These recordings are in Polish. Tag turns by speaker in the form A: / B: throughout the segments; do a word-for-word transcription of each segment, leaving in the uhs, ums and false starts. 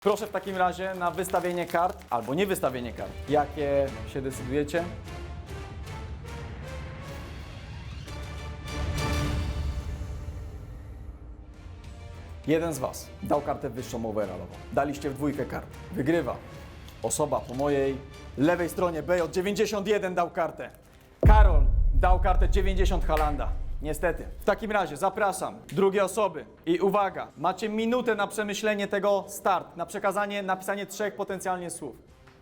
A: Proszę w takim razie na wystawienie kart, albo nie wystawienie kart. Jakie się decydujecie? Jeden z Was dał kartę wyższą overallową. Daliście w dwójkę kart. Wygrywa osoba po mojej lewej stronie. B J dziewięćdziesiąt jeden dał kartę. Karol dał kartę dziewięćdziesiąt Halanda. Niestety. W takim razie zapraszam drugie osoby i uwaga, macie minutę na przemyślenie tego start, na przekazanie, napisanie trzech potencjalnie słów.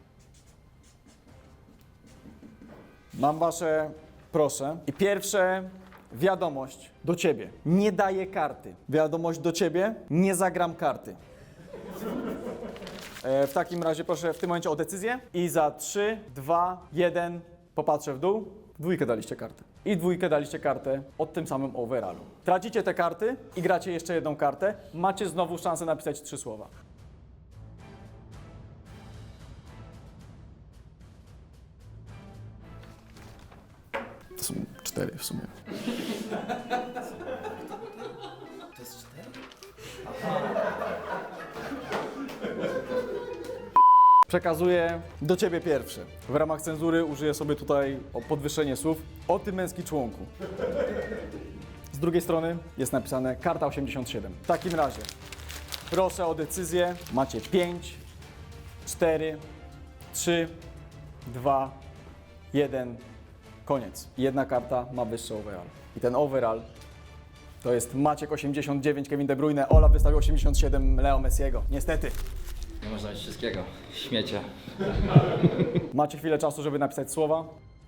A: Mam Wasze proszę i pierwsze wiadomość do Ciebie. Nie daję karty. Wiadomość do Ciebie. Nie zagram karty. E, w takim razie proszę w tym momencie o decyzję i za trzy, dwa, jeden popatrzę w dół. W dwójkę daliście kartę. I w dwójkę daliście kartę od tym samym overallu. Tracicie te karty i gracie jeszcze jedną kartę. Macie znowu szansę napisać trzy słowa. To są cztery w sumie.
B: To jest cztery?
A: Przekazuję do Ciebie pierwsze. W ramach cenzury użyję sobie tutaj o podwyższenie słów. O Ty męski członku. Z drugiej strony jest napisane karta osiemdziesiąt siedem. W takim razie proszę o decyzję. Macie pięć, cztery, trzy, dwa, jeden. Koniec. Jedna karta ma wyższy overall. I ten overall to jest Maciek osiemdziesiąt dziewięć, Kevin De Bruyne, Olaf wystawił osiemdziesiąt siedem, Leo Messiego. Niestety.
B: Nie można mieć wszystkiego. Śmiecie.
A: Macie chwilę czasu, żeby napisać słowa.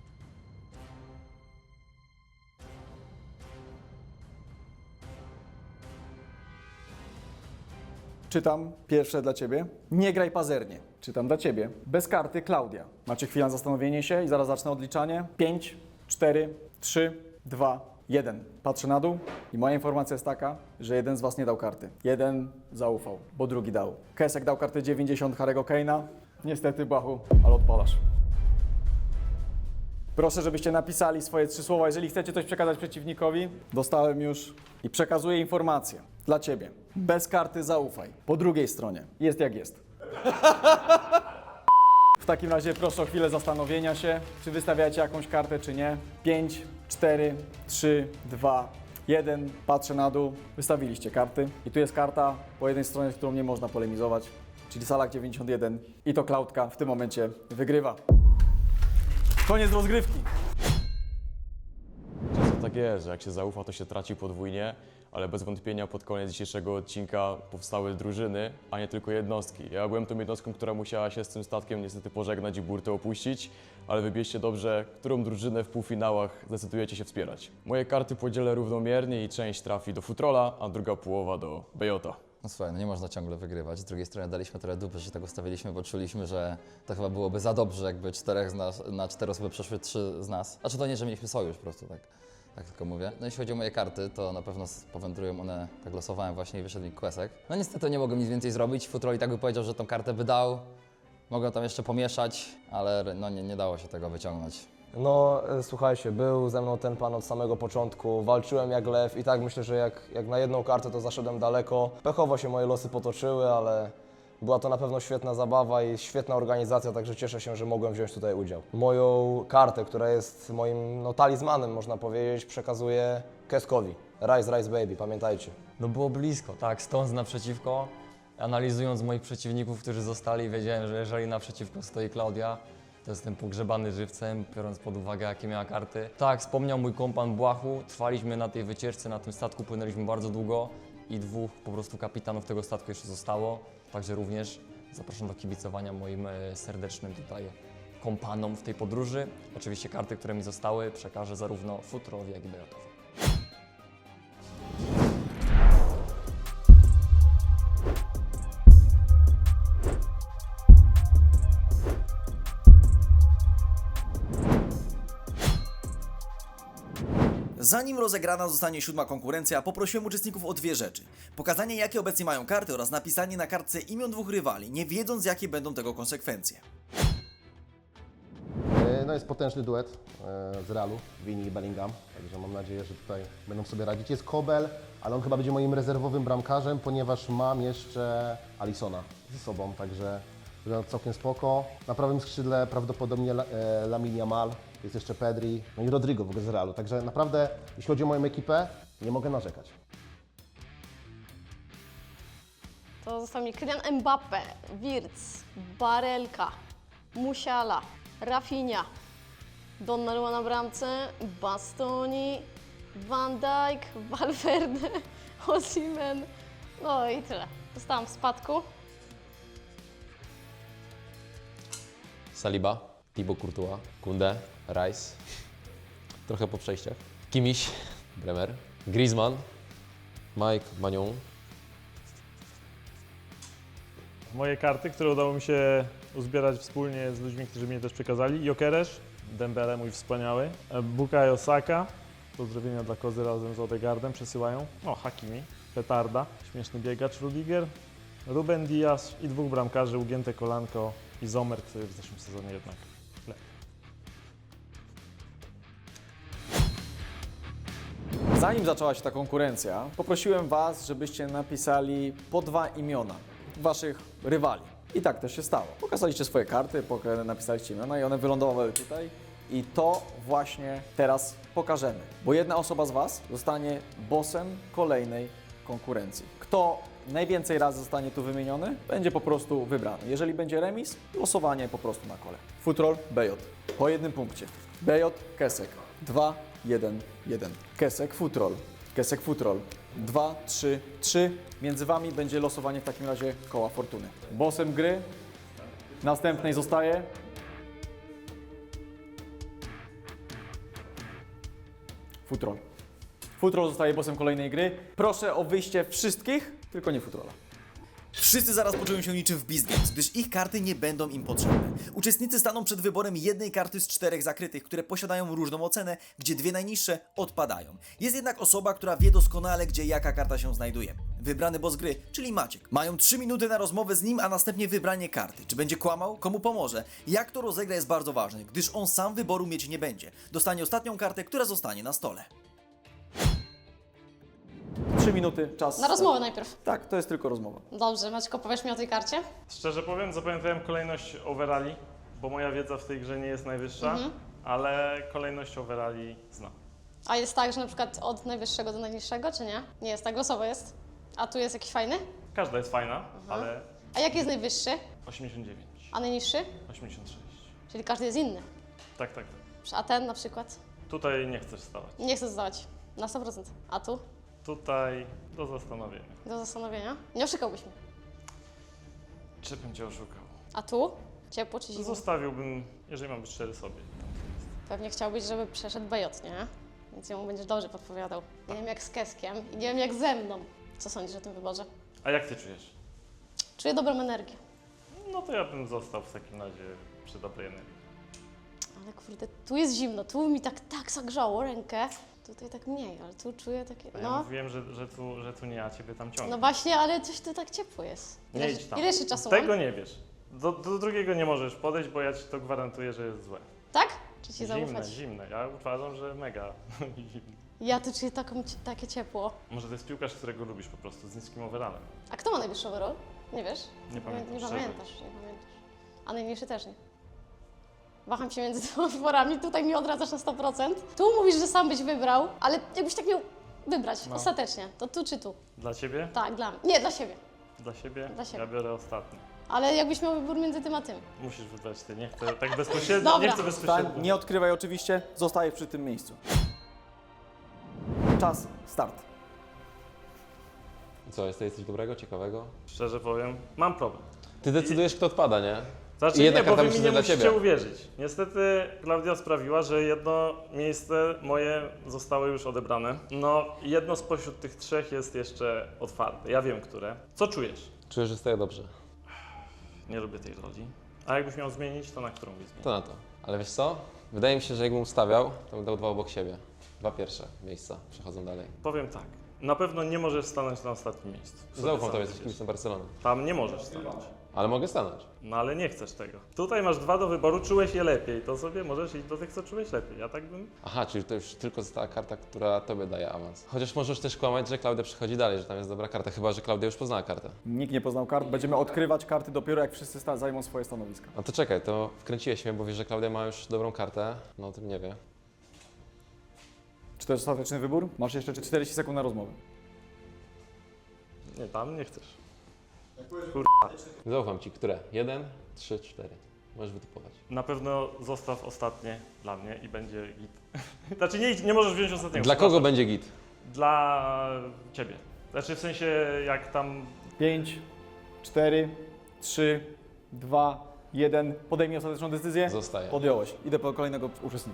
A: Czytam pierwsze dla Ciebie. Nie graj pazernie. Czytam dla Ciebie. Bez karty Klaudia. Macie chwilę na zastanowienie się i zaraz zacznę odliczanie. pięć, cztery, trzy, dwa, jeden. Patrzę na dół i moja informacja jest taka, że jeden z Was nie dał karty. Jeden zaufał, bo drugi dał. Kesek dał kartę dziewięćdziesiąt Harry'ego Kane'a. Niestety, Błachu, ale odpalasz. Proszę, żebyście napisali swoje trzy słowa. Jeżeli chcecie coś przekazać przeciwnikowi, dostałem już i przekazuję informację dla Ciebie. Bez karty zaufaj. Po drugiej stronie jest jak jest. W takim razie proszę o chwilę zastanowienia się, czy wystawiacie jakąś kartę, czy nie. pięć, cztery, trzy, dwa, jeden. Patrzę na dół. Wystawiliście karty. I tu jest karta po jednej stronie, z którą nie można polemizować, czyli Salak dziewięćdziesiąt jeden. I to Klaudka w tym momencie wygrywa. Koniec rozgrywki.
C: Często tak jest, że jak się zaufa, to się traci podwójnie, ale bez wątpienia pod koniec dzisiejszego odcinka powstały drużyny, a nie tylko jednostki. Ja byłem tą jednostką, która musiała się z tym statkiem niestety pożegnać i burtę opuścić, ale wybierzcie dobrze, którą drużynę w półfinałach zdecydujecie się wspierać. Moje karty podzielę równomiernie i część trafi do Futrola, a druga połowa do Bejota.
D: No słuchaj, no nie można ciągle wygrywać. Z drugiej strony daliśmy trochę dupy, że się tak ustawiliśmy, bo czuliśmy, że to chyba byłoby za dobrze, jakby czterech z nas, na cztery osoby przeszły trzy z nas. Znaczy to nie, że mieliśmy sojusz po prostu, tak, tak tylko mówię. No jeśli chodzi o moje karty, to na pewno powędrują one, tak losowałem właśnie i wyszedł mi Quesek. No niestety nie mogłem nic więcej zrobić. Futrol i tak by powiedział, że tą kartę by dał. Mogłem tam jeszcze pomieszać, ale no nie, nie dało się tego wyciągnąć.
E: No e, słuchajcie, był ze mną ten pan od samego początku, walczyłem jak lew i tak myślę, że jak, jak na jedną kartę to zaszedłem daleko. Pechowo się moje losy potoczyły, ale była to na pewno świetna zabawa i świetna organizacja, także cieszę się, że mogłem wziąć tutaj udział. Moją kartę, która jest moim no, talizmanem, można powiedzieć, przekazuję Keskowi. Rise, rise baby, pamiętajcie.
F: No było blisko, tak, stojąc naprzeciwko, analizując moich przeciwników, którzy zostali, wiedziałem, że jeżeli naprzeciwko stoi Klaudia, to jestem pogrzebany żywcem, biorąc pod uwagę, jakie miała karty. Tak, wspomniał mój kompan Błachu, trwaliśmy na tej wycieczce, na tym statku, płynęliśmy bardzo długo i dwóch po prostu kapitanów tego statku jeszcze zostało, także również zapraszam do kibicowania moim e, serdecznym tutaj kompanom w tej podróży. Oczywiście karty, które mi zostały, przekażę zarówno Futrolowi, jak i Bejotowi.
G: Zanim rozegrana zostanie siódma konkurencja, poprosiłem uczestników o dwie rzeczy. Pokazanie, jakie obecnie mają karty oraz napisanie na kartce imion dwóch rywali, nie wiedząc, jakie będą tego konsekwencje.
H: no jest potężny duet e, z Realu, Vini i Bellingham, także mam nadzieję, że tutaj będą sobie radzić. Jest Kobel, ale on chyba będzie moim rezerwowym bramkarzem, ponieważ mam jeszcze Alissona ze sobą, także wygląda całkiem spoko. Na prawym skrzydle prawdopodobnie La, e, Lamine Yamal, jest jeszcze Pedri, no i Rodrigo w ogóle z Realu, także naprawdę jeśli chodzi o moją ekipę, nie mogę narzekać.
I: To został mi Kylian Mbappé, Wirtz, Barelka, Musiala, Rafinha, Donnarumma na bramce, Bastoni, Van Dijk, Valverde, Osimhen, no i tyle. Zostałam w spadku.
J: Saliba, Thibaut Courtois, Kunde, Rice, trochę po przejściach, Kimmich, Bremer, Griezmann, Mike Magnon.
K: Moje karty, które udało mi się uzbierać wspólnie z ludźmi, którzy mi je też przekazali. Jokeresz, Dembele, mój wspaniały, Bukayo Saka, pozdrowienia dla Kozy razem z Odegaardem przesyłają. O, Hakimi, petarda, śmieszny biegacz Rudiger, Ruben Dias i dwóch bramkarzy, ugięte kolanko i Zomer, który w zeszłym sezonie jednak lepiej.
A: Zanim zaczęła się ta konkurencja, poprosiłem Was, żebyście napisali po dwa imiona Waszych rywali. I tak też się stało. Pokazaliście swoje karty, poka- napisaliście imiona i one wylądowały tutaj. I to właśnie teraz pokażemy. Bo jedna osoba z Was zostanie bossem kolejnej konkurencji. Kto najwięcej razy zostanie tu wymieniony, będzie po prostu wybrany. Jeżeli będzie remis, losowanie po prostu na kole. Futrol, B J. Po jednym punkcie. B J, Kesek. dwa, jeden, jeden. Kesek, Futrol. Kesek, Futrol. dwa, trzy, trzy. Między Wami będzie losowanie w takim razie koła fortuny. Bossem gry następnej zostaje Futrol. Futrol zostaje bossem kolejnej gry. Proszę o wyjście wszystkich, tylko nie Futrola.
G: Wszyscy zaraz poczują się niczym w Beast Games, gdyż ich karty nie będą im potrzebne. Uczestnicy staną przed wyborem jednej karty z czterech zakrytych, które posiadają różną ocenę, gdzie dwie najniższe odpadają. Jest jednak osoba, która wie doskonale, gdzie jaka karta się znajduje. Wybrany boss gry, czyli Maciek. Mają trzy minuty na rozmowę z nim, a następnie wybranie karty. Czy będzie kłamał? Komu pomoże? Jak to rozegra jest bardzo ważne, gdyż on sam wyboru mieć nie będzie. Dostanie ostatnią kartę, która zostanie na stole.
A: Trzy minuty, czas.
I: Na rozmowę najpierw.
A: Tak, to jest tylko rozmowa.
I: Dobrze, Maćko, powiesz mi o tej karcie?
K: Szczerze powiem, zapamiętałem kolejność overalli, bo moja wiedza w tej grze nie jest najwyższa,
I: Mhm.
K: ale kolejność overalli znam.
I: A jest tak, że na przykład od najwyższego do najniższego, czy nie? Nie jest tak, losowo jest. A tu jest jakiś fajny?
K: Każda jest fajna, ale
I: A jaki jest najwyższy?
K: osiemdziesiąt dziewięć,
I: A najniższy?
K: osiemdziesiąt sześć.
I: Czyli każdy jest inny.
K: Tak, tak, tak.
I: A ten na przykład?
K: Tutaj nie chcesz stawać.
I: Nie chcę zdawać. Na sto procent. A tu?
K: Tutaj do zastanowienia.
I: Do zastanowienia. Nie oszukałbyś mnie.
K: Czy bym cię oszukał?
I: A tu? Ciepło czy zimno?
K: Zostawiłbym, jeżeli mam być szczery sobie.
I: Pewnie chciałbyś, żeby przeszedł B J, nie? Więc jemu będziesz dobrze podpowiadał. Nie wiem jak z Keskiem i nie wiem jak ze mną. Co sądzisz o tym wyborze?
K: A jak ty czujesz?
I: Czuję dobrą energię.
K: No to ja bym został w takim razie przy dobrej energii.
I: Ale kurde, tu jest zimno, tu mi tak, tak zagrzało rękę. Tutaj tak mniej, ale tu czuję takie,
K: Ja
I: no.
K: mówiłem, że, że, tu, że tu nie, a ciebie tam ciągnie.
I: No właśnie, ale coś tu tak ciepło jest.
K: Nie
I: Ile,
K: idź tam.
I: ile jeszcze czasu
K: Tego
I: mam?
K: nie wiesz. Do, do drugiego nie możesz podejść, bo ja ci to gwarantuję, że jest złe.
I: Tak? Czy ci
K: Zimne,
I: zaufać?
K: zimne. Ja uważam, że mega zimne.
I: Ja tu czuję taką, takie ciepło.
K: Może to jest piłkarz, którego lubisz po prostu, z niskim overallem.
I: A kto ma najwyższy overall? Nie wiesz?
K: Nie pamiętam,
I: Nie
K: szczerze.
I: pamiętasz, nie pamiętasz. A najmniejszy też nie. Waham się między dwoma wyborami, tutaj mi odradzasz na sto procent. Tu mówisz, że sam byś wybrał, ale jakbyś tak miał wybrać
K: No.
I: ostatecznie, to tu czy tu?
K: Dla ciebie?
I: Tak, dla mnie. Nie, dla siebie.
K: Dla siebie?
I: Dla siebie.
K: Ja biorę ostatni.
I: Ale jakbyś miał wybór między tym a tym.
K: Musisz wybrać ty, nie chcę tak bezpośrednio,
I: Dobra.
K: nie chcę bezpośrednio.
A: Stań, nie odkrywaj oczywiście, zostajesz przy tym miejscu. Czas, start.
J: Co, jest tutaj coś dobrego, ciekawego?
K: Szczerze powiem, mam problem.
J: Ty decydujesz, kto odpada, nie?
K: Znaczy
J: I jedna
K: nie, bo
J: karta
K: wy mi
J: musi
K: nie
J: być dla
K: musicie
J: ciebie.
K: uwierzyć. Niestety Klaudia sprawiła, że jedno miejsce moje zostało już odebrane. No, jedno spośród tych trzech jest jeszcze otwarte. Ja wiem, które. Co czujesz?
J: Czuję, że staję dobrze.
K: Nie lubię tej roli. A jakbyś miał zmienić, to na którą byś zmienił?
J: To na to. Ale wiesz co? Wydaje mi się, że jakbym ustawiał, to bym dał dwa obok siebie. Dwa pierwsze miejsca przechodzą dalej.
K: Powiem tak. Na pewno nie możesz stanąć na ostatnim miejscu. Co ty
J: Zaufam
K: sam
J: tobie, jesteś
K: wiesz?
J: kibicem Barcelony.
K: Tam nie możesz stanąć.
J: ale mogę stanąć.
K: No ale nie chcesz tego. Tutaj masz dwa do wyboru, czułeś je lepiej, to sobie możesz iść do tych, co czułeś lepiej. Ja tak bym...
J: Aha, czyli to już tylko została karta, która tobie daje awans. Chociaż możesz też kłamać, że Klaudia przychodzi dalej, że tam jest dobra karta, chyba że Klaudia już poznała kartę.
A: Nikt nie poznał kart, będziemy odkrywać karty dopiero jak wszyscy sta- zajmą swoje stanowiska.
J: No to czekaj, to wkręciłeś mnie, bo wiesz, że Klaudia ma już dobrą kartę, no o tym nie wie.
A: Czy to jest ostateczny wybór? Masz jeszcze czterdzieści sekund na rozmowę.
K: Nie, tam nie chcesz.
J: Zaufam ci, które? Jeden, trzy, cztery. Możesz wytypować.
K: Na pewno zostaw ostatnie dla mnie i będzie git. Znaczy nie, nie możesz wziąć ostatniego.
J: Dla kogo
K: przepraszam.
J: będzie git?
K: Dla ciebie. Znaczy w sensie jak tam...
A: pięć, cztery, trzy, dwa, jeden. Podejmij ostateczną decyzję.
J: Zostaje.
A: Podjąłeś. Idę po kolejnego uczestnika.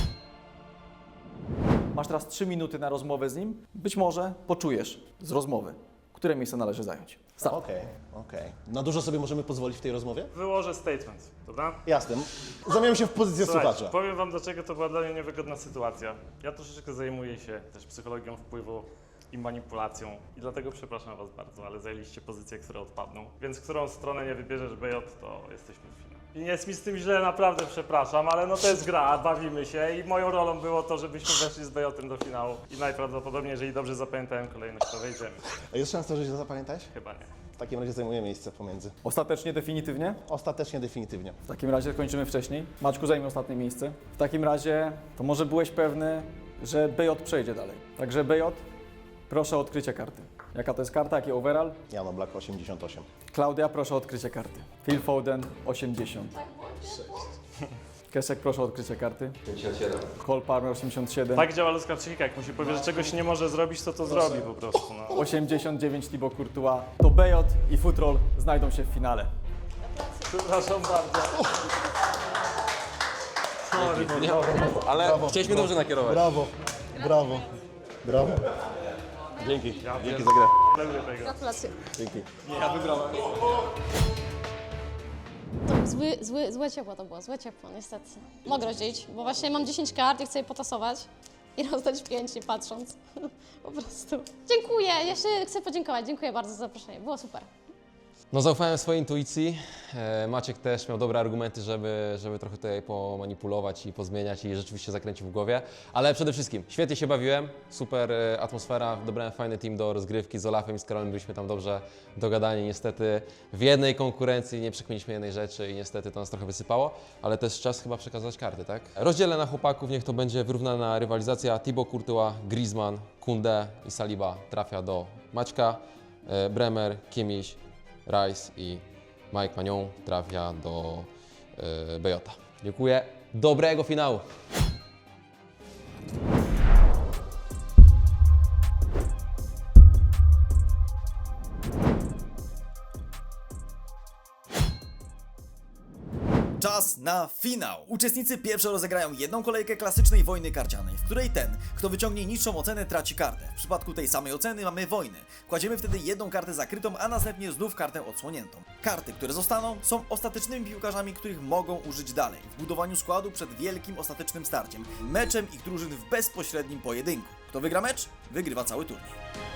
A: Masz teraz trzy minuty na rozmowę z nim. Być może poczujesz z rozmowy, które miejsce należy zająć. Start.
H: Okej, okej. Na dużo sobie możemy pozwolić w tej rozmowie?
K: Wyłożę statement, dobra?
H: Jasne. Zamieniam się w pozycję
K: Słuchajcie,
H: słuchacza.
K: powiem wam, dlaczego to była dla mnie niewygodna sytuacja. Ja troszeczkę zajmuję się też psychologią wpływu i manipulacją i dlatego przepraszam was bardzo, ale zajęliście pozycje, które odpadną. Więc którą stronę nie wybierzesz B J, to jesteśmy w finale. I nie jest mi z tym źle, naprawdę przepraszam, ale no to jest gra, bawimy się i moją rolą było to, żebyśmy weszli z B J-em do finału. I najprawdopodobniej, jeżeli dobrze zapamiętałem kolejność, to wejdziemy.
H: A jest szansa, że źle zapamiętałeś?
K: Chyba nie.
H: W takim razie zajmuję miejsce pomiędzy.
A: Ostatecznie, definitywnie?
H: Ostatecznie, definitywnie.
A: W takim razie kończymy wcześniej. Maćku zajmie ostatnie miejsce. W takim razie to może byłeś pewny, że B J przejdzie dalej. Także B J, proszę o odkrycie karty. Jaka to jest karta, jaki overall?
H: Jano Black osiemdziesiąt osiem.
A: Klaudia, proszę o odkrycie karty. Phil Foden, osiemdziesiąt. Kesek, proszę o odkrycie karty.
J: pięćdziesiąt siedem.
A: Cole Palmer, osiemdziesiąt siedem.
K: Tak działa ludzka psychika, jak mu się powie, że czegoś nie może zrobić, to to zrobi po prostu. No.
A: osiemdziesiąt dziewięć Thibaut Courtois. To B J i Futrol znajdą się w finale.
K: Przepraszam bardzo. Sorry,
J: Ale chcieliśmy dobrze nakierować.
H: Brawo, brawo, brawo. Dzięki, dzięki za grę.
K: lubię tego.
I: Gratulacje.
H: Dzięki.
I: To był zły, zły, złe ciepło to było, złe ciepło niestety. Mogę rozdzielić, bo właśnie mam dziesięć kart i chcę je potasować i rozdać pięć nie patrząc. Po prostu. Dziękuję, jeszcze chcę podziękować, dziękuję bardzo za zaproszenie, było super.
J: No zaufałem swojej intuicji. E, Maciek też miał dobre argumenty, żeby, żeby trochę tutaj pomanipulować i pozmieniać i rzeczywiście zakręcił w głowie. Ale przede wszystkim świetnie się bawiłem, super e, atmosfera, dobrałem fajny team do rozgrywki z Olafem i z Karolem, byliśmy tam dobrze dogadani. Niestety w jednej konkurencji nie przekminiliśmy jednej rzeczy i niestety to nas trochę wysypało, ale też czas chyba przekazać karty, tak? Rozdzielę na chłopaków, niech to będzie wyrównana rywalizacja. Thibaut Courtois, Griezmann, Koundé i Saliba trafia do Maćka, e, Bremer, Kimmich, Rice i Mike Magnon trafia do yy, B J. Dziękuję. Dobrego finału.
G: Czas na finał! Uczestnicy pierwsze rozegrają jedną kolejkę klasycznej wojny karcianej, w której ten, kto wyciągnie niższą ocenę, traci kartę. W przypadku tej samej oceny mamy wojnę. Kładziemy wtedy jedną kartę zakrytą, a następnie znów kartę odsłoniętą. Karty, które zostaną, są ostatecznymi piłkarzami, których mogą użyć dalej w budowaniu składu przed wielkim ostatecznym starciem, meczem ich drużyn w bezpośrednim pojedynku. Kto wygra mecz, wygrywa cały turniej.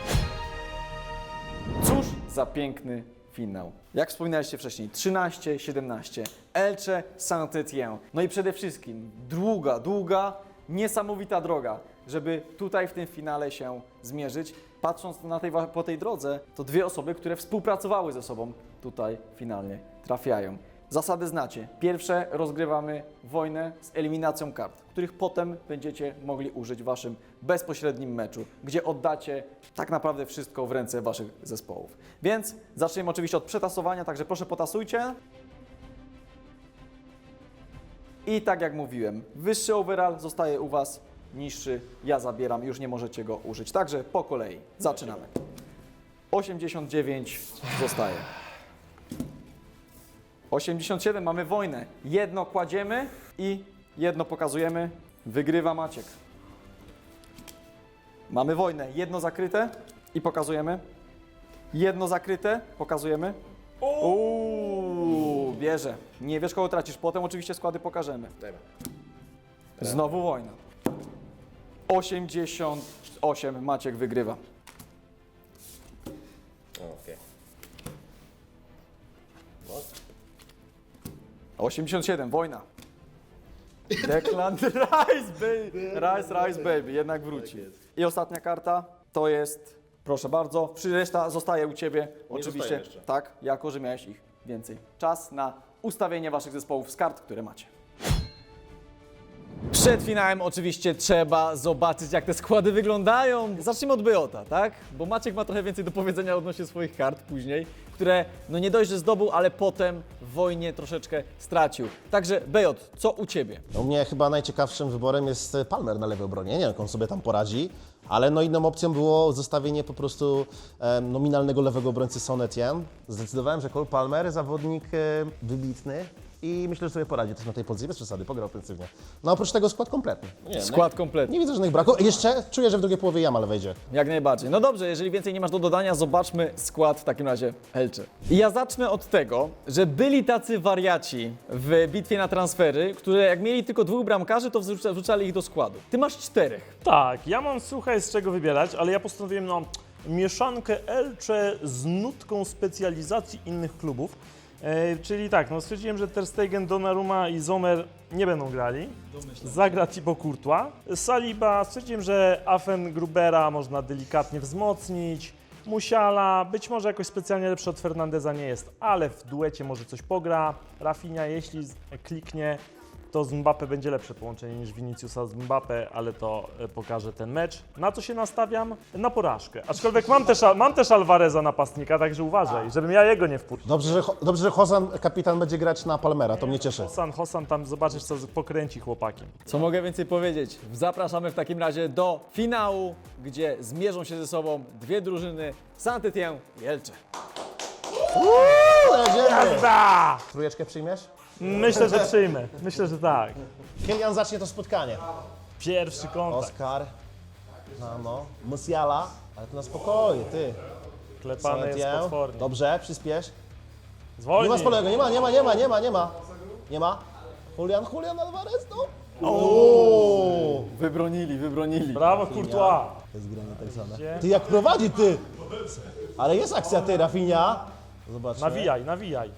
A: Cóż za piękny finał. Jak wspominaliście wcześniej, trzynaście siedemnaście, Elche Saint-Étienne. No i przede wszystkim długa, długa, niesamowita droga, żeby tutaj w tym finale się zmierzyć. Patrząc na tej, po tej drodze, to dwie osoby, które współpracowały ze sobą, tutaj finalnie trafiają. Zasady znacie. Pierwsze, rozgrywamy wojnę z eliminacją kart, których potem będziecie mogli użyć w waszym bezpośrednim meczu, gdzie oddacie tak naprawdę wszystko w ręce waszych zespołów. Więc zaczniemy oczywiście od przetasowania, także proszę potasujcie. I tak jak mówiłem, wyższy overall zostaje u was, niższy ja zabieram, już nie możecie go użyć. Także po kolei zaczynamy. osiemdziesiąt dziewięć zostaje. osiemdziesiąt siedem, mamy wojnę. Jedno kładziemy i jedno pokazujemy. Wygrywa Maciek. Mamy wojnę. Jedno zakryte i pokazujemy. Jedno zakryte, pokazujemy. Uuu, bierze. Nie wiesz, kogo tracisz. Potem oczywiście składy pokażemy. Znowu wojna. osiemdziesiąt osiem, Maciek wygrywa.
H: Okej. No
A: osiemdziesiąt siedem, wojna. Declan Rice, baby. Rice, Rice, baby, jednak wróci. I ostatnia karta to jest, proszę bardzo, reszta zostaje u Ciebie, oczywiście, tak, jako że miałeś ich więcej. Czas na ustawienie Waszych zespołów z kart, które macie. Przed finałem oczywiście trzeba zobaczyć, jak te składy wyglądają. Zacznijmy od Bejota, tak? Bo Maciek ma trochę więcej do powiedzenia odnośnie swoich kart później, które no nie dość, że zdobył, ale potem w wojnie troszeczkę stracił. Także Bejot, co u Ciebie?
H: U mnie chyba najciekawszym wyborem jest Palmer na lewej obronie. Nie wiem, jak on sobie tam poradzi, ale no inną opcją było zostawienie po prostu e, nominalnego lewego obrońcy Son Etienne. Zdecydowałem, że Cole Palmer, zawodnik e, wybitny i myślę, że sobie poradzi też na tej pozycji bez przesady, pograł ofensywnie. No oprócz tego skład kompletny. Nie,
A: Skład kompletny.
H: nie widzę żadnych braków. Jeszcze czuję, że w drugiej połowie Jamal wejdzie.
A: Jak najbardziej. No dobrze, jeżeli więcej nie masz do dodania, zobaczmy skład w takim razie Elche. I ja zacznę od tego, że byli tacy wariaci w bitwie na transfery, które jak mieli tylko dwóch bramkarzy, to wrzuca- wrzucali ich do składu. Ty masz czterech.
K: Tak, ja mam słuchaj z czego wybierać, ale ja postanowiłem no, mieszankę Elche z nutką specjalizacji innych klubów. E, czyli tak, no stwierdziłem, że Ter Stegen, Donnarumma i Sommer nie będą grali. Zagra Thibaut Courtois. Saliba, stwierdziłem, że Afen Grubera można delikatnie wzmocnić. Musiala, być może jakoś specjalnie lepszy od Fernandeza nie jest, ale w duecie może coś pogra. Rafinha, jeśli z- kliknie, to z Mbappé będzie lepsze połączenie niż Viniciusa z Mbappé, ale to e, pokaże ten mecz. Na co się nastawiam? Na porażkę. Aczkolwiek mam też, mam też Alvareza napastnika, także uważaj, żebym ja jego nie wpuścił.
H: Dobrze, że, dobrze, że Hozan, kapitan, będzie grać na Palmera, to mnie cieszy.
K: Hosan, Hosan tam zobaczysz, co pokręci chłopakiem.
A: Co mogę więcej powiedzieć? Zapraszamy w takim razie do finału, gdzie zmierzą się ze sobą dwie drużyny, Saint-Étienne i Elche.
H: Jedziemy!
K: Da!
H: Trójeczkę przyjmiesz?
K: Myślę, że przyjmę. Myślę, że tak.
H: Kylian zacznie to spotkanie.
K: Pierwszy kontakt.
H: Oskar, no, no, Musiala, ale to na spokojnie, ty.
K: Klepany jest
H: Saint-Étienne.
K: potwornie.
H: Dobrze, przyspiesz. Nie
K: Zwolnij.
H: ma spolego, nie ma, nie ma, nie ma, nie ma, nie ma. Nie ma. Julian, Julian Alvarez, no. Ooo!
A: Wybronili, wybronili.
K: Brawo, Courtois.
H: To jest granie tak zwane.
K: Gdzie?
H: Ty jak prowadzi, ty! Ale jest akcja, ty, Rafinha. Zobaczmy.
K: Nawijaj, nawijaj.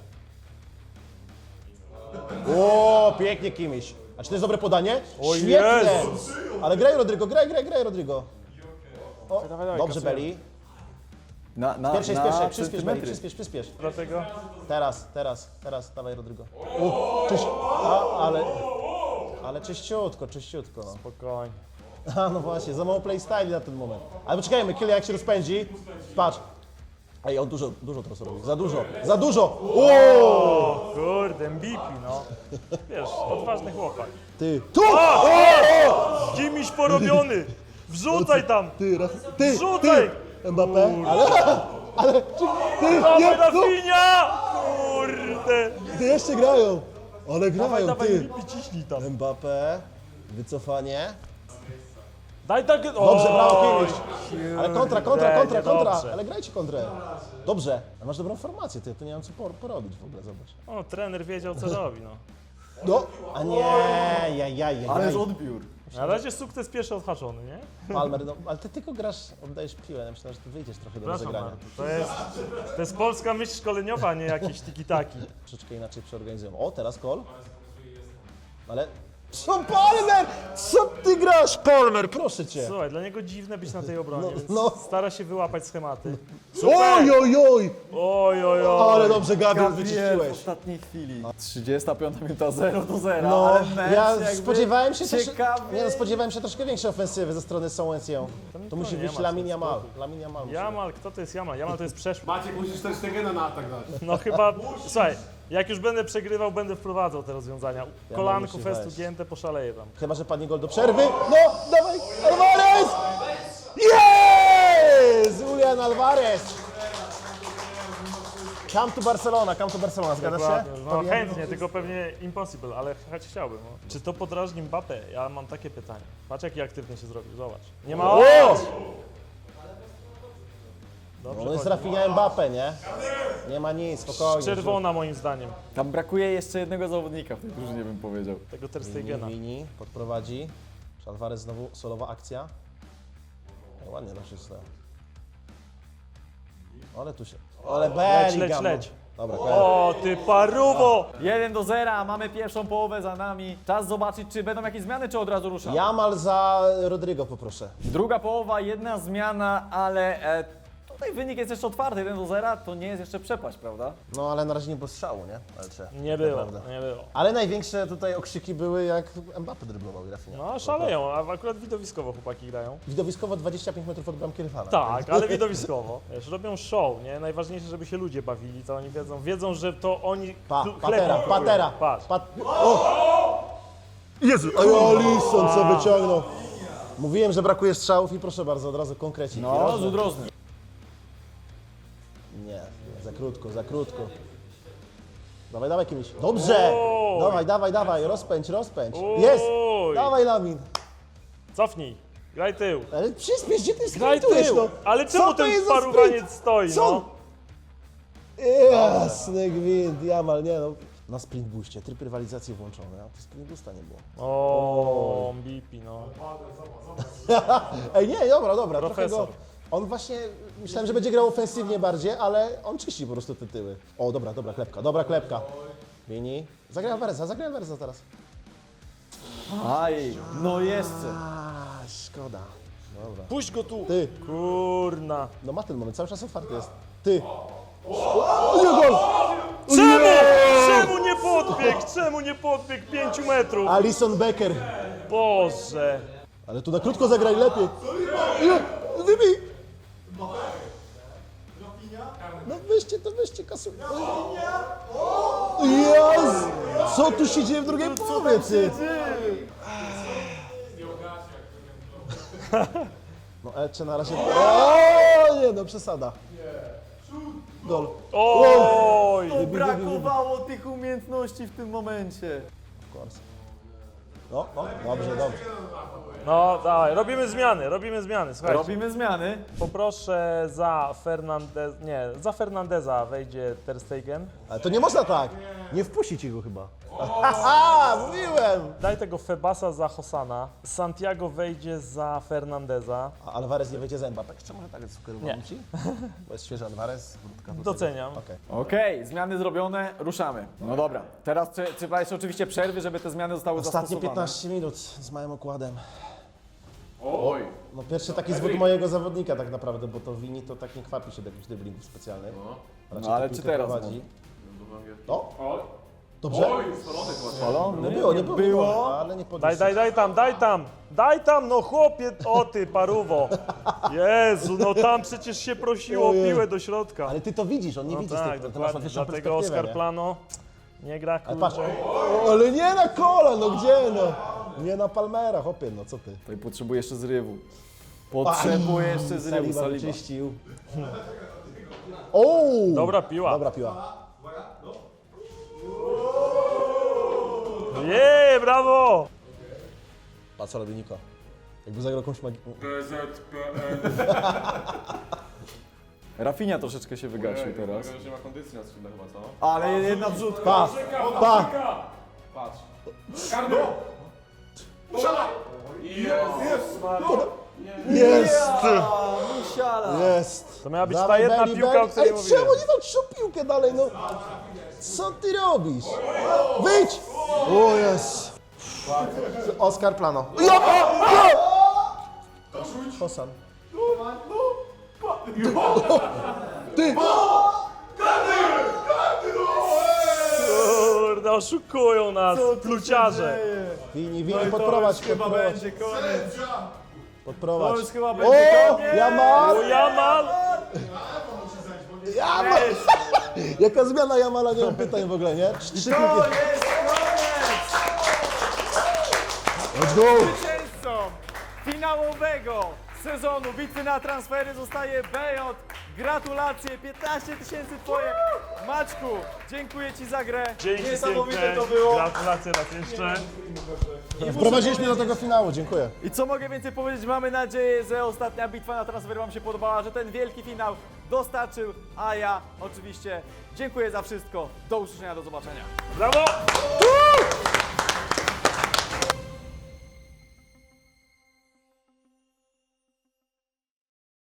H: O, pięknie Kimiś. A czy to jest dobre podanie?
K: O
H: Świetne!
K: Jezus!
H: Ale graj Rodrygo, graj, graj, graj Rodrygo. O,
K: Dawaj, dawaj,
H: dobrze
K: kasujemy.
H: Belli.
A: Na, na,
H: Pierwszej,
A: na
H: pierwszej, przyspiesz Belli,
A: centymetry.
H: przyspiesz, przyspiesz.
K: Dlatego
H: Teraz, teraz, teraz, dawaj Rodrygo. U, czyś... A, ale... Ale czyściutko, czyściutko. No.
K: spokojnie.
H: A, no właśnie, za mało playstyle na ten moment. Ale poczekajmy, Kylian jak się rozpędzi. Patrz. Ej, on dużo, dużo teraz robi. Za dużo, za dużo! O!
K: O kurde, M V P, no. Wiesz, odważny chłopak.
H: Ty, tu!
K: Kimiś porobiony! Wrzucaj tam!
H: Ty, raz, ty,
K: Wrzucaj!
H: ty! Mbappé, ale, ale, czy, ty,
K: Dawaj,
H: nie, no,
K: Rafinha! Kurde!
H: ty jeszcze grają. Ale
K: Dawaj,
H: grają,
K: dawaj,
H: ty.
K: M V P ciśnij tam.
H: Mbappé, wycofanie.
K: Daj tak...
H: Dobrze, brawo,
K: Oj,
H: Kimiś. Ale kontra, kontra, kontra,
K: niedobrze.
H: kontra. Ale grajcie kontrę. Dobrze. A masz dobrą formację, ty, tu nie mam co por- porobić w ogóle, zobacz.
K: O, trener wiedział, co robi, no.
H: No, a nie, jaj, jaj, jaj.
A: Ależ odbiór.
K: Na razie sukces pierwszy odhaczony, nie?
H: Palmer, no, ale ty tylko grasz, oddajesz piłę, ja myślę, że ty wyjdziesz trochę do
K: Przepraszam
H: rozegrania.
K: bardzo, to jest, to jest polska myśl szkoleniowa, a nie jakieś tiki-taki.
H: Troszeczkę inaczej przeorganizują. O, teraz kol. Ale... Co Palmer? Co ty grasz, Palmer? Proszę cię.
K: Słuchaj, dla niego dziwne być na tej obronie,
H: No,
K: więc
H: no.
K: stara się wyłapać schematy.
H: Oj, oj, oj!
K: Oj, oj, oj.
H: Ale dobrze, Gabriel,
A: Gabriel w
H: wyczyściłeś.
A: ostatniej chwili. trzydziesta piąta minuta, zero do zera,
H: No,
A: ale mecz
H: ja
A: jakby
H: spodziewałem się też,
A: ciekawy.
H: nie no, spodziewałem się troszkę większej ofensywy ze strony Saint-Étienne. To musi
K: nie
H: być
K: ma
H: Lamin
K: sensu.
H: Yamal. Lamin Yamal musi być.
K: Jamal, kto to jest Jamal? Jamal to jest przeszły.
L: Maciek, musisz też Stegena na atak dać.
K: No chyba, słuchaj, jak już będę przegrywał, będę wprowadzał te rozwiązania. Kolanko,
H: musi
K: festu
H: wejść.
K: gięte, poszaleję tam.
H: Chyba, że padnie gol do przerwy. No, dawaj, Alvarez! Jest! Julian Alvarez! Come to Barcelona, come to Barcelona, zgadzasz się?
K: Dokładnie. No
H: Powinien-
K: chętnie, tylko pewnie impossible, ale choć chciałbym. No. Czy to podrażni Mbappé? Ja mam takie pytanie. Patrz jaki aktywny się zrobił, zobacz. Nie ma...
H: O!
K: Dobrze,
H: On jest
K: chodzi.
H: Rafinha Mbappé, nie? Nie ma nic, spokojnie.
K: Czerwona moim zdaniem,
A: Tam brakuje jeszcze jednego zawodnika w tej drużynie, bym powiedział.
K: tego Ter
H: Mini,
K: Stegena.
H: mini, podprowadzi. Alvarez znowu solowa akcja. No, ładnie to wszystko. Ale tu się... Ale
K: Leć, leć,
H: Bellingham.
K: leć.
H: Dobra, koniec.
K: O, ty paruwo!
A: jeden do zera, mamy pierwszą połowę za nami. Czas zobaczyć, czy będą jakieś zmiany, czy od razu ruszamy.
H: Jamal za Rodrigo poproszę.
A: Druga połowa, jedna zmiana, ale e, tutaj wynik jest jeszcze otwarty, jeden do zera, to nie jest jeszcze przepaść, prawda?
H: No ale na razie nie było strzału, nie? Elcze.
K: Nie było,
H: Naprawdę.
K: nie było.
H: Ale największe tutaj okrzyki były jak Mbappé dryblował i Rafinha.
K: No szaleją, a akurat widowiskowo chłopaki grają.
H: Widowiskowo dwadzieścia pięć metrów od bramki rywala.
K: Tak, ale widowiskowo. Wiesz, robią show, nie? Najważniejsze, żeby się ludzie bawili, to oni wiedzą. Wiedzą, że to oni
H: Pa,
K: chl- chleb
H: patera,
K: kupują.
H: patera.
K: Patrz.
H: Pat o! Jezu! Oj, Alisson co wyciągnął. Mówiłem, że brakuje strzałów i proszę bardzo, od razu konkrecik.
A: No,
H: Rożny.
A: rzut rożny.
H: Nie, za krótko, za krótko. Dawaj, dawaj kimś. Dobrze!
K: Oj.
H: Dawaj, dawaj, dawaj, rozpędź, rozpędź.
K: Oj.
H: Jest! Dawaj, Lamin.
K: Cofnij, graj tył.
H: Ale przyspiesz, gdzie ty
K: Graj
H: sprintujesz,
K: tył.
H: no?
K: Ale
H: Co
K: czemu
H: to
K: ten
H: jest za
K: parowaniec
H: sprint?
K: stoi,
H: Co?
K: no?
H: Jasny gwint, Jamal, nie no. Na sprint booście, tryb rywalizacji włączony, a tu sprint boosta nie było.
K: O, B P, no.
H: Ej, nie, dobra, dobra, trochę
K: Profesor.
H: go... On właśnie, myślałem, że będzie grał ofensywnie bardziej, ale on czyści po prostu te tyły. O, dobra, dobra klepka, dobra klepka. Mini. Zagraj Alvareza, zagraj Alvareza teraz.
A: Aj, no jeszcze.
H: A, szkoda. Dobra.
K: Puść go tu.
H: Ty,
K: Kurna.
H: no ma ten moment, cały czas otwarty jest. Ty. O, nie gol!
K: Czemu? Czemu nie podbiegł? Czemu nie podbiegł pięciu metrów?
H: Alison Becker.
K: Boże.
H: Ale tu na krótko zagraj lepiej. Nie, wybij! No weźcie to, weźcie kasu. Jezu! Co tu się dzieje w drugiej połowie, ty? No Elcze na razie... O, nie no, przesada. Gol.
K: Oj.
A: Brakowało tych umiejętności w tym momencie.
H: Of course. No, no, dobrze, dobrze.
K: No dawaj, robimy zmiany, robimy zmiany, słuchajcie.
A: Robimy zmiany.
K: Poproszę za Fernandez, nie, za Fernandeza wejdzie Ter Stegen.
H: Ale to nie można tak. Nie wpuścić go chyba. Haha, mówiłem!
K: Daj tego Febasa za Hossana. Santiago wejdzie za Fernandeza.
H: A Alvarez nie wejdzie z Mbappé. Jeszcze może tak sugerowałem
K: Nie.
H: ci? Bo jest świeży Alvarez. wrótka do tego.
K: Doceniam.
H: Okej.
A: Okej, zmiany zrobione, ruszamy. No dobra, teraz trze- trzeba jeszcze oczywiście przerwy, żeby te zmiany zostały
H: Ostatnie
A: zastosowane.
H: piętnaście minut z małym okładem. Oj! No pierwszy taki zwód mojego zawodnika tak naprawdę, bo to Vini to tak nie kwapi się do jakichś driblingów specjalnych. Raczej
A: No ale
H: tę
A: czy
H: piłkę
A: teraz
H: prowadzi. O! Dobrze?
A: Spalony?
H: Nie było, nie było,
A: było.
H: ale nie
K: Daj,
H: podniósł.
K: daj, daj tam, daj tam! Daj tam, no chłopie, o ty paruwo! Jezu, no tam przecież się prosiło o
H: Ojej.
K: piłę do środka.
H: Ale ty to widzisz, on nie
K: No
H: widzi z
K: tak,
H: tej, ty masz
K: dokładnie,
H: ładniejszą
K: dlatego
H: perspektywę,
K: Oscar
H: nie?
K: Plano nie gra,
H: Ale patrz,
K: kurczę.
H: o, ale nie na kola, no gdzie no? Nie na Palmera, hopie, no co ty?
A: Tutaj potrzebuję jeszcze zrywu. Potrzebuję jeszcze zrywu,
H: Saliba
A: Saliba.
H: wyczyścił. O!
K: Dobra piła.
H: Dobra piła.
K: Jej, brawo!
H: Patrz co robi Niko. Jakby zagrał jakąś magię.
A: Rafinha troszeczkę się wygasił teraz.
C: Nie ma kondycji na skrzydle chyba, co?
A: Ale jedna wrzutka.
H: Pa! Pa!
C: Patrz.
H: Jest!
A: Musiala.
H: Jest!
K: To miała być ta
H: Dawaj,
K: jedna
H: Belly,
K: piłka,
H: Belly.
K: o której
H: Ej,
K: mówiłem.
H: czemu nie walczysz o piłkę dalej, no? Co ty robisz? Wyjdź! O jest! Oscar Plano. Ja! Ja! Hosan. Ty!
K: Kurde, oszukują nas, pluciarze.
H: Wini, Wini, podprowadź,
A: Chyba
H: podprowadź,
A: będzie koniec.
H: podprowadź.
A: To już chyba
H: O!
A: będzie koniec.
H: Jamal!
K: O, Jamal!
H: Jamal! Jaka zmiana Jamala, nie mam pytań w ogóle, nie? Trzy piłki.
A: To jest koniec.
H: Let's go!
A: Zwycięzcą finałowego sezonu bitwy na transfery zostaje B J. Gratulacje, piętnaście tysięcy twoje. Maćku, dziękuję ci za grę.
K: Dzięki
A: Niesamowite
K: piękne.
A: to było.
K: Gratulacje raz jeszcze.
H: Wprowadziliśmy do tego finału, dziękuję.
A: I co mogę więcej powiedzieć? Mamy nadzieję, że ostatnia bitwa na transfery wam się podobała, że ten wielki finał dostarczył, a ja oczywiście dziękuję za wszystko. Do usłyszenia, do zobaczenia.
K: Brawo!